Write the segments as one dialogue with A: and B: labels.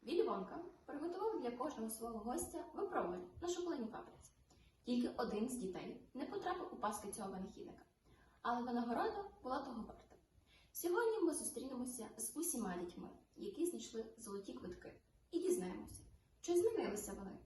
A: Віллі Вонка приготував для кожного свого гостя випробування на шоколадній фабриці. Тільки один з дітей не потрапив у пастки цього винахідника, але винагорода була того варта. Сьогодні ми зустрінемося з усіма дітьми, які знайшли золоті квитки, і дізнаємося, чи змінилися вони.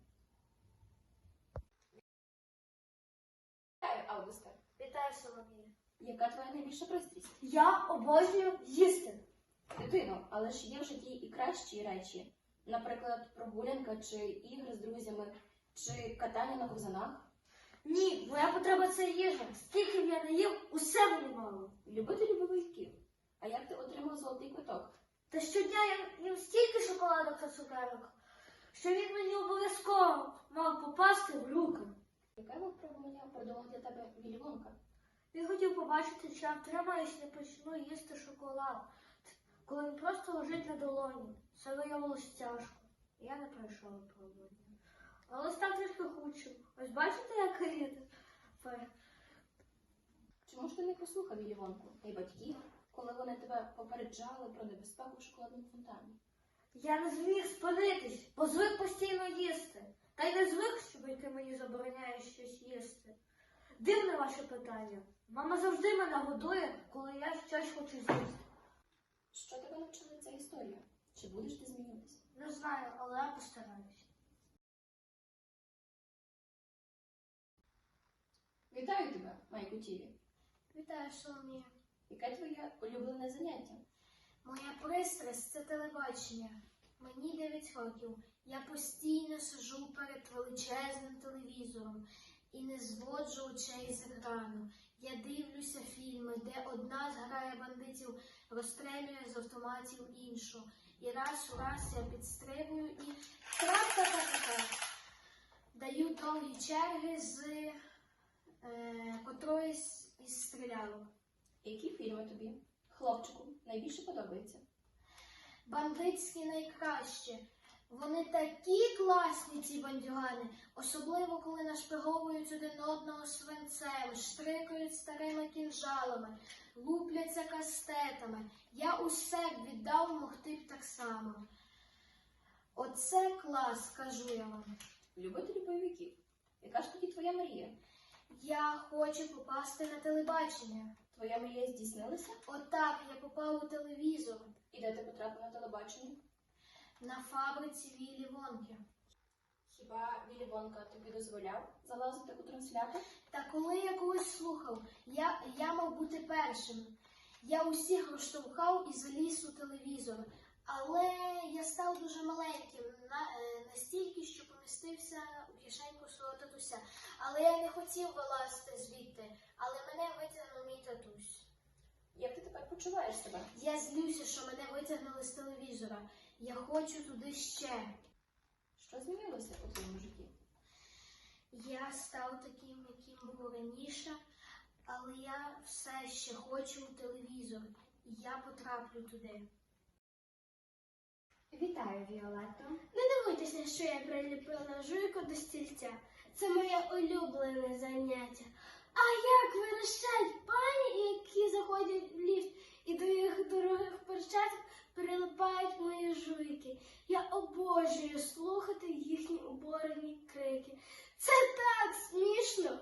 A: Вітаю, Августа!
B: Вітаю, Соломія.
A: Яка твоя найбільша пристрасть?
B: Я обожнюю їсти.
A: Дитино, але ж є в житті і кращі речі, наприклад, прогулянка чи ігри з друзями, чи катання на ковзанах.
B: Ні, моя потреба це їжа. Скільки б я не їв, усе мені мало.
A: Любителі бойовиків. А як ти отримав золотий квиток?
B: Та щодня я їм стільки шоколадок та цукерок, що він мені обов'язково мав попасти в руки.
A: Яке випробування придумав для тебе Віллі Вонка?
B: Він хотів побачити, чи я втримаюсь і не почну їсти шоколад, коли він просто лежить на долоні. Це виявилось тяжко. Я не пройшов випробування. Але став трішки худшим. Ось бачите, який я тепер?
A: Чому ж ти не послухав Віллі Вонку та й батьків, коли вони тебе попереджали про небезпеку в шоколадному фонтані?
B: Я не зміг спинитись, бо звик постійно їсти. Та й не звик, що батьки мені забороняють щось їсти. Дивне ваше питання. Мама завжди мене годує, коли я щось хочу з'їсти.
A: Що тебе навчила ця історія? Чи будеш ти змінюватися?
B: Не знаю, але я постараюсь.
A: Вітаю тебе, Майку Тіві.
B: Вітаю, Соломія.
A: Яке твоє улюблене заняття?
B: Моя пристрасть – це телебачення. Мені 9 років. Я постійно сиджу перед величезним телевізором і не зводжу очей з екрану. Я дивлюся фільми, де одна зграя бандитів розстрелює з автоматів іншу. І раз у раз я підстрибую і трап-та-та-та-та. Даю довгі черги з котроїсь із стрілялок.
A: Які фільми тобі, хлопчику, найбільше подобаються?
B: Бандитські найкращі. Вони такі класні, ці бандюгани, особливо коли нашпиговують один одного свинцем, штрикають старими кінжалами, лупляться кастетами. Я усе б віддав, могти б так само. Оце клас, кажу я вам.
A: Любителі бойовиків. Яка ж тоді твоя мрія?
B: Я хочу попасти на телебачення.
A: Твоя мрія здійснилася?
B: Отак я попав у телевізор.
A: І де ти потрапив на телебачення?
B: На фабриці Віллі Вонки.
A: Хіба Віллі Вонка тобі дозволяв залазити у транслятор?
B: Та коли я когось слухав, я мав бути першим. Я усіх розштовхав і заліз у телевізор. Але я став дуже маленьким, настільки, що помістився у кишеньку свого татуся. Але я не хотів вилазити звідти, але мене витягнув мій татусь.
A: Як ти тепер почуваєш себе?
B: Я злюся, що мене витягнули з телевізора. Я хочу туди ще.
A: Що змінилося у твоєму житті?
B: Я став таким, яким був раніше, але я все ще хочу у телевізор. І я потраплю туди.
C: Вітаю, Віолетто.
B: Не дивуйтеся, що я приліпила жуйку до стільця. Це моє улюблене заняття. А як верещать пані, які заходять в ліфт, і до їх дорогих перчаток прилипають мої жуйки. Я обожнюю слухати їхні оборені крики. Це так смішно.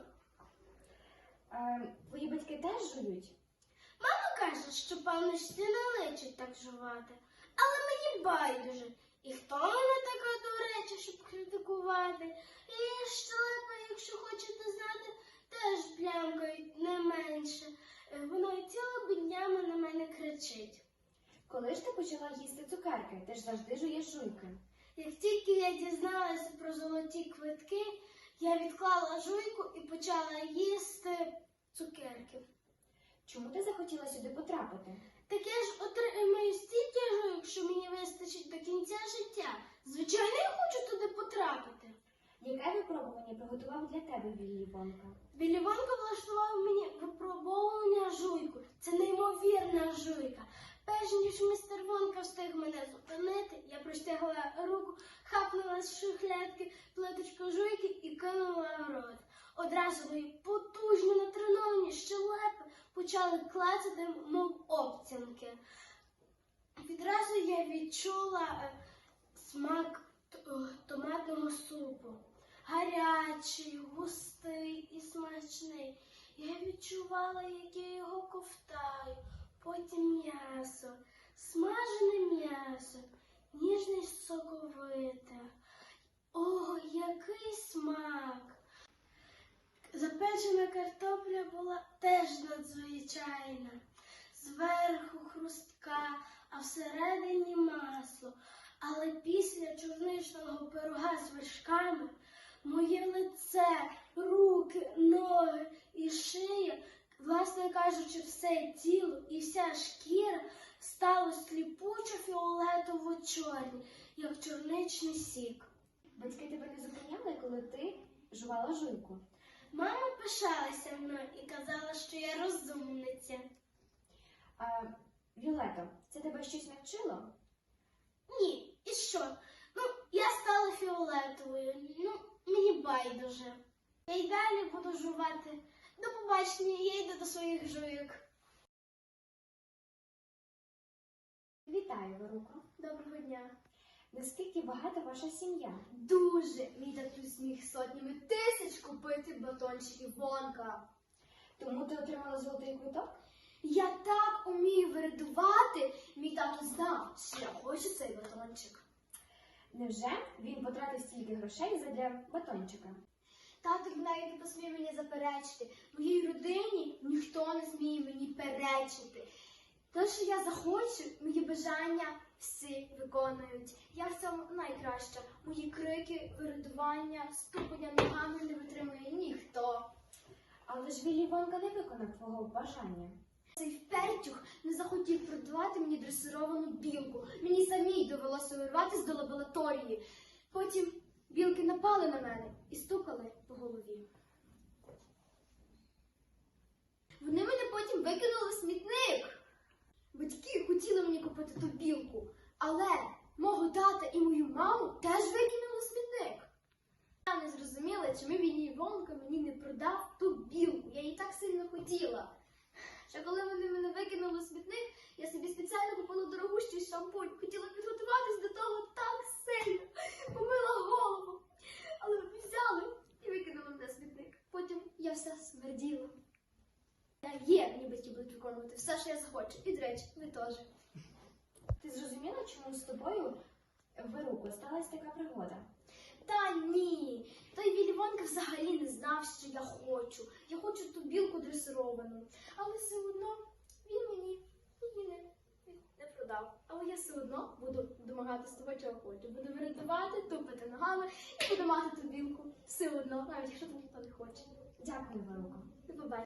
C: Твої батьки теж жують?
B: Мама каже, що панночці не личить так жувати. Але мені байдуже. І хто вона така до речі, щоб критикувати? І щелепа, якщо хочете знати, теж плямкають не менше. Вона цілими днями на мене кричить.
C: Коли ж ти почала їсти цукерки? Ти ж завжди жуєш жуйки.
B: Як тільки я дізналася про золоті квитки, я відклала жуйку і почала їсти цукерки.
C: Чому ти захотіла сюди потрапити?
B: Так я ж отримаю стільки жуйок, що мені вистачить до кінця життя. Звичайно, я хочу туди потрапити.
C: Яке випробування приготував для тебе Віллі Вонка?
B: Віллі Вонка влаштував мені випробовування жуйку. Це неймовірна жуйка. Перш ніж містер Вонка встиг мене зупинити, я простягла руку, хапнула з шухлядки плиточку жуйки і кинула в рот. Одразу мої потужні натреновані щелепи почали клацати, мов обцянки. Відразу я відчула смак томатного супу. Гарячий, густий і смачний. Я відчувала, як я його ковтаю. Потім м'ясо, смажене м'ясо, ніжне й соковите. О, який смак! Запечена картопля була теж надзвичайна. Зверху хрустка, а всередині масло. Але після чорничного пирога з вершками моє лице, руки, ноги і шия, власне кажучи, все тіло і вся шкіра стало сліпучо фіолетово-чорні, як чорничний сік.
C: Батьки тебе не зупиняли, коли ти жувала жуйку?
B: Мама пишалася мною і казала, що я розумниця.
C: А, Віолетто, це тебе щось навчило?
B: Ні, і що? Я стала фіолетовою, мені байдуже. Я й далі буду жувати. До побачення, я йду до своїх жуйок.
C: Вітаю, Веруко.
B: Доброго дня.
C: Наскільки багата ваша сім'я?
B: Дуже мій татусь міг сотнями тисяч купити батончиків Вонка.
C: Тому ти отримала золотий квиток?
B: Я так умію виридувати, мій тато знав, що я хочу цей батончик.
C: Невже він потратив стільки грошей задля батончика?
B: Тато навіть не посмів мені заперечити. В моїй родині ніхто не зміє мені перечити. Те, що я захочу, мої бажання всі виконують. Я в цьому найкраща. Мої крики, виридування, ступання ногами не витримує ніхто.
C: Але ж Віллі Вонка не виконав твого бажання.
B: Цей впертюх не захотів продавати мені дресировану білку. Мені самій довелося вирватися до лабораторії. Потім білки напали на мене і стукали по голові. Вони мене потім викинули в смітник. Батьки хотіли мені купити ту білку, але мого тата і мою маму теж викинули в смітник. Я не зрозуміла, чому Віллі Вонка мені не продав ту білку. Я її так сильно хотіла. Ще коли вони мене викинули в смітник, я собі спеціально купила дорогущий шампунь. Хотіла підготуватись до того так сильно. Помила голову. Але вони взяли і викинули мене в смітник. Потім я вся смерділа. Мені батьки будуть виконувати все, що я захочу. І, до речі, ви теж.
C: Ти зрозуміла, чому з тобою, Веруко, сталася така пригода?
B: Та ні, той Віллі Вонка взагалі не знав, що я хочу. Я хочу ту білку дресировану. Але все одно він мені її не продав. Але я все одно буду домагатися того, чого хочу. Буду виридувати, тупити ногами і буду мати ту білку. Все одно, навіть якщо ніхто не хоче.
C: Дякую, Веруко.
B: До побачення.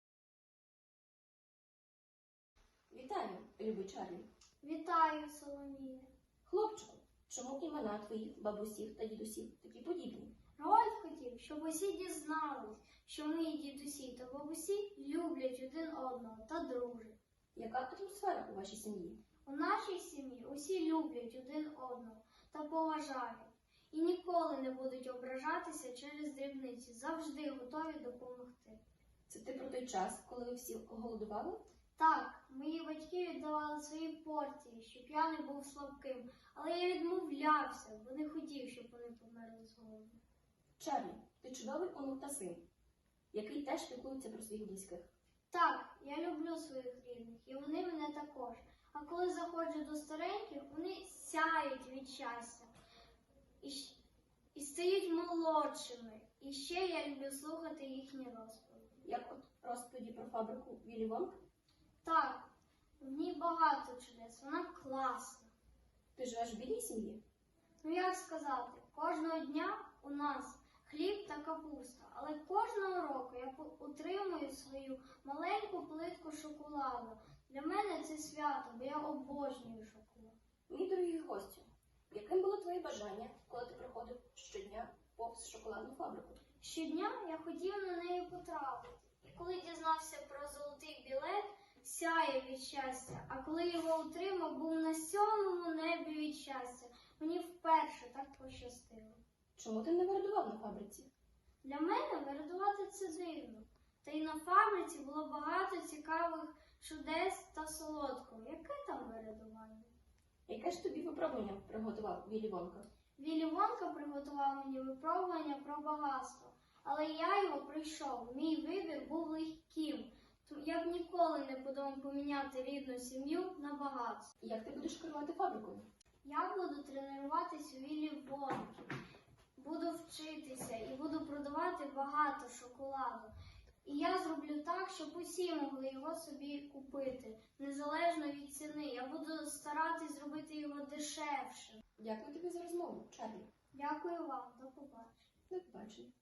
A: Вітаю, любий Чарлі.
B: Вітаю, Соломія.
A: Хлопчику, чому імена твоїх бабусів та дідусів такі подібні?
B: Рольф хотів, щоб усі дізнались, що мої дідусі та бабусі люблять один одного та дружать.
A: Яка атмосфера у вашій сім'ї?
B: У нашій сім'ї усі люблять один одного та поважають. І ніколи не будуть ображатися через дрібниці, завжди готові допомогти.
A: Це ти про той час, коли ви всі голодували?
B: Так, мої батьки віддавали свої порції, щоб я не був слабким, але я відмовлявся, бо не хотів, щоб вони померли з голоду.
A: Чарлі, ти чудовий онук та син, який теж піклується про своїх близьких.
B: Так, я люблю своїх рідних, і вони мене також. А коли заходжу до стареньких, вони сяють від щастя і стають молодшими. І ще я люблю слухати їхні розповіді.
A: Як от розповіді про фабрику Віллі Вонка?
B: Так, в ній багато чудес, вона класна.
A: Ти живеш в бідній сім'ї?
B: Як сказати, кожного дня у нас хліб та капуста, але кожного року я отримую свою маленьку плитку шоколаду. Для мене це свято, бо я обожнюю шоколад.
A: Мій дорогий гостю, яким було твоє бажання, коли ти приходив щодня повз шоколадну фабрику?
B: Щодня я хотів на неї потрапити. І коли дізнався про золотий білет, сяяв від щастя, а коли його отримав, був на 7-му небі від щастя. Мені вперше так пощастило.
A: Чому ти не вирадував на фабриці?
B: Для мене вирадувати це дивно. Та й на фабриці було багато цікавих чудес та солодкого. Яке там вирадування?
A: Яке ж тобі випробування приготував Віллі Вонка?
B: Віллі Вонка приготував мені випробування про багатство, але я його пройшов. Мій вибір був легким. Я б ніколи не подумав поміняти рідну сім'ю на багатство.
A: І як ти будеш керувати фабрикою?
B: Я буду тренуватись у Віллі Вонки, буду вчитися і буду продавати багато шоколаду. І я зроблю так, щоб усі могли його собі купити, незалежно від ціни. Я буду старатись зробити його дешевше.
A: Дякую тобі за розмову, Чарлі.
B: Дякую вам, до побачення.
A: До побачення.